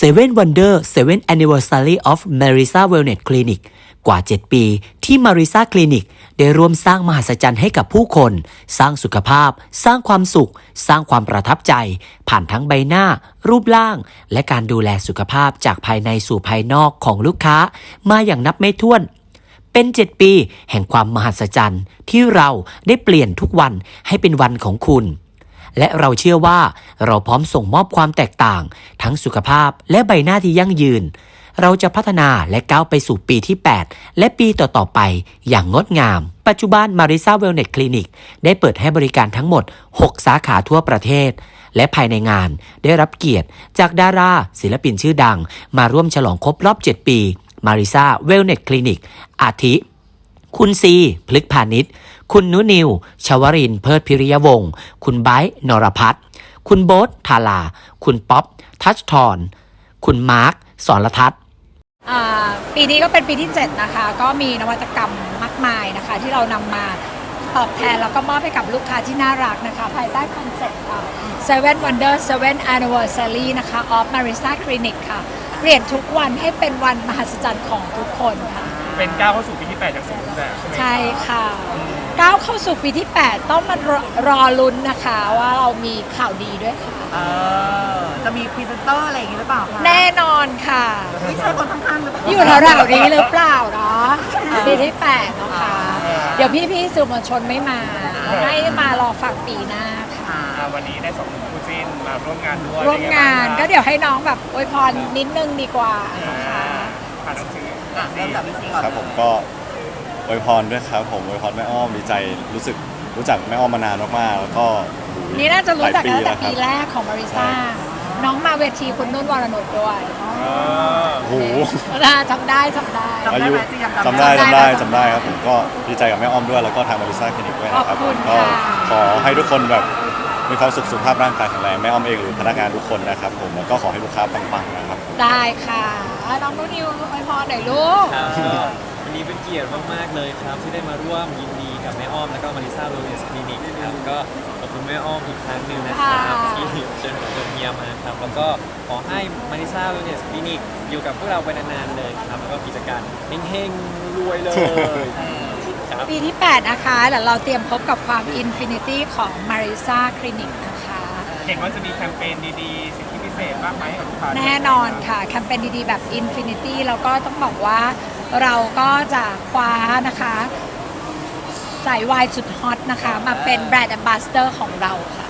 Seven Wonder 7 Anniversary of Marisa Wellness Clinic กว่า 7 ปีที่ Marisa Clinic ได้ร่วมสร้างมหัศจรรย์ให้กับผู้คน สร้างสุขภาพ สร้างความสุข สร้างความประทับใจ ผ่านทั้งใบหน้า รูปร่าง และการดูแลสุขภาพจากภายในสู่ภายนอกของลูกค้า มาอย่างนับไม่ถ้วน เป็น 7 ปีแห่งความมหัศจรรย์ที่เราได้เปลี่ยนทุกวันให้เป็นวันของคุณและเราเชื่อว่าเราพร้อมส่งมอบความแตกต่างทั้งสุขภาพและใบหน้าที่ยั่งยืนเราจะพัฒนาและก้าวไปสู่ปีที่ 8 และปีต่อๆไปอย่างงดงามปัจจุบัน Marisa Wellness Clinic ได้เปิดให้บริการทั้งหมด 6 สาขาทั่วประเทศและภายในงานได้รับเกียรติจากดาราศิลปินชื่อดังมาร่วมฉลองครบรอบ 7 ปี Marisa Wellness Clinic อาทิคุณซีพฤกษ์พาณิชย์คุณนุนิวชวรินทร์เพิดพิริยวงศ์คุณไบร์ทนรพัฒน์คุณโบ๊ทธาราคุณป๊อปทัชทรคุณมาร์คสรทัศน์ปีนี้ก็เป็นปีที่ 7 นะคะ ก็มีนวัตกรรมมากมายนะคะ ที่เรานำมาตอบแทนแล้วก็มอบให้กับลูกค้าที่น่ารักนะคะ ภายใต้คอนเซ็ปต์Seven Wonder 7 Anniversary นะคะ of Marisa Clinic ค่ะ เปลี่ยนทุกวันให้เป็นวันมหัศจรรย์ของทุกคนค่ะเป็นก้าวเข้าสู่ปีที่ 8 จากศูนย์แบบใช่ไหมใช่ค่ะก้าวเข้าสู่ปีที่ 8 ต้องมารอลุ้นนะคะว่าเรามีข่าวดีด้วยค่ะจะมีพรีเซนเตอร์อะไรอย่างนี้หรือเปล่าคะแน่นอนค่ะไม่ใช่คนข้างๆหรือเปล่าอยู่แถวๆนี้หรือเปล่าเนาะปีที่ 8 นะคะเดี๋ยวพี่ๆสื่อมวลชนไม่มาให้มารอฟังปีหน้าค่ะวันนี้ได้2คู่จิ้นมาร่วมงานด้วยร่วมงานก็เดี๋ยวให้น้องแบบอวยพรนิดนึงดีกว่านะคะผ่านหนังสือเริ่มจากพี่ซีก่อนครับผมก็อวยพรด้วยครับผมอวยพรแม่อ้อมดีใจรู้จักแม่อ้อมมานานมากๆแล้วก็นี่น่าจะรู้จักกันตั้งแต่ปีแรกของมาริซ่าน้องมาเวทีคุณนุ่นวรนุชด้วยโอ้โหจำได้อายุจำได้ครับผมก็ดีใจกับแม่อ้อมด้วยแล้วก็ทางมาริซ่าคลินิกด้วยนะครับผมก็ขอให้ทุกคนแบบมีความสุขภาพร่างกายแข็งแรงแม่อ้อมเองหรือพนักงานทุกคนนะครับผมแล้วก็ขอให้ลูกค้าปังๆนะครับได้ค่ะน้องนุ่นนิวอวยพรหน่อยลูกวันนี้เป็นเกียรติมากๆเลยครับที่ได้มาร่วมยินดีกับแม่อ้อมแล้วก็ Marisa Wellness Clinic ครับก็ขอบคุณแม่อ้อมอีกครั้งหนึ่งนะครับที่เชิญผมเมียมาครับแล้วก็ขอให้ Marisa Wellness Clinic อยู่กับพวกเราไปนานๆเลยครับแล้วก็กิจการเฮงๆรวยเลยปีที่ 8 นะคะแล้วเราเตรียมพบกับความ Infinity ของ Marisa Clinic นะคะเห็นว่าจะมีแคมเปญดีๆสิทธิพิเศษมากไหมกับลูกค้าแน่นอนค่ะแคมเปญดีๆแบบ Infinity แล้วก็ต้องบอกว่าเราก็จะคว้านะคะสายวายสุดฮอตนะคะมาเป็นแบรนด์แอมบาสเดอร์ของเราค่ะ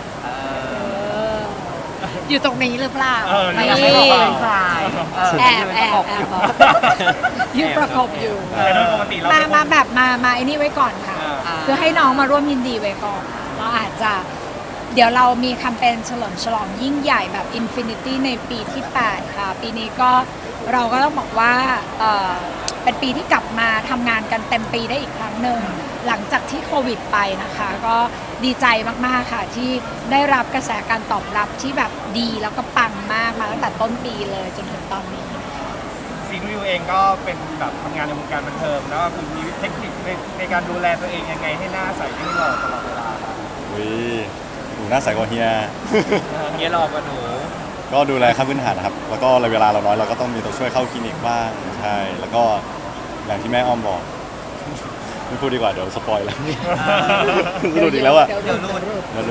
อยู่ตรงนี้หรือเปล่าไม่เป็นใครแอบยืนประกบอยู่มาแบบมาไอ้นี่ไว้ก่อนค่ะคือให้น้องมาร่วมยินดีไว้ก่อนเราอาจจะเดี๋ยวเรามีแคมเปญเฉลิมฉลองยิ่งใหญ่แบบ Infinity ในปีที่ 8 ค่ะปีนี้ก็เราก็ต้องบอกว่าเป็นปีที่กลับมาทำงานกันเต็มปีได้อีกครั้งหนึ่งหลังจากที่โควิดไปนะคะก็ดีใจมากๆค่ะที่ได้รับกระแสการตอบรับที่แบบดีแล้วก็ปังมากมาตั้งแต่ต้นปีเลยจนถึงตอนนี้ซีนูเองก็เป็นแบบทำงานในวงการบันเทิงแล้วคุณมีเทคนิคในการดูแลตัวเองยังไงให้หน้าใสให้หล่อตลอดเวลาหนูหน้าใสกว่าเฮียหล่อกว่าหนูก็ดูแลขั้นพื้นฐานนะครับแล้วก็เวลาเราน้อยเราก็ต้องมีตัวช่วยเข้าคลินิกบ้างใช่แล้วก็อย่างที่แม่อ้อมบอกไม่พูดดีกว่าเดี๋ยวสปอยแล้วรู้อีกแล้วอะเดี๋ยวรู้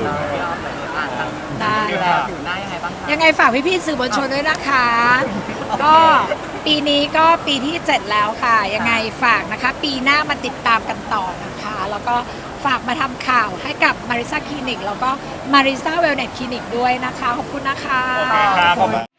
ได้อยู่หน้ายังไงบ้างยังไงฝากพี่ๆสื่อมวลชนด้วยนะคะก็ปีนี้ก็ปีที่ 7 แล้วค่ะยังไงฝากนะคะปีหน้ามาติดตามกันต่อนะคะแล้วก็ฝากมาทำข่าวให้กับ Marisa Clinic แล้วก็ Marisa Wellness Clinic ด้วยนะคะขอบคุณนะคะ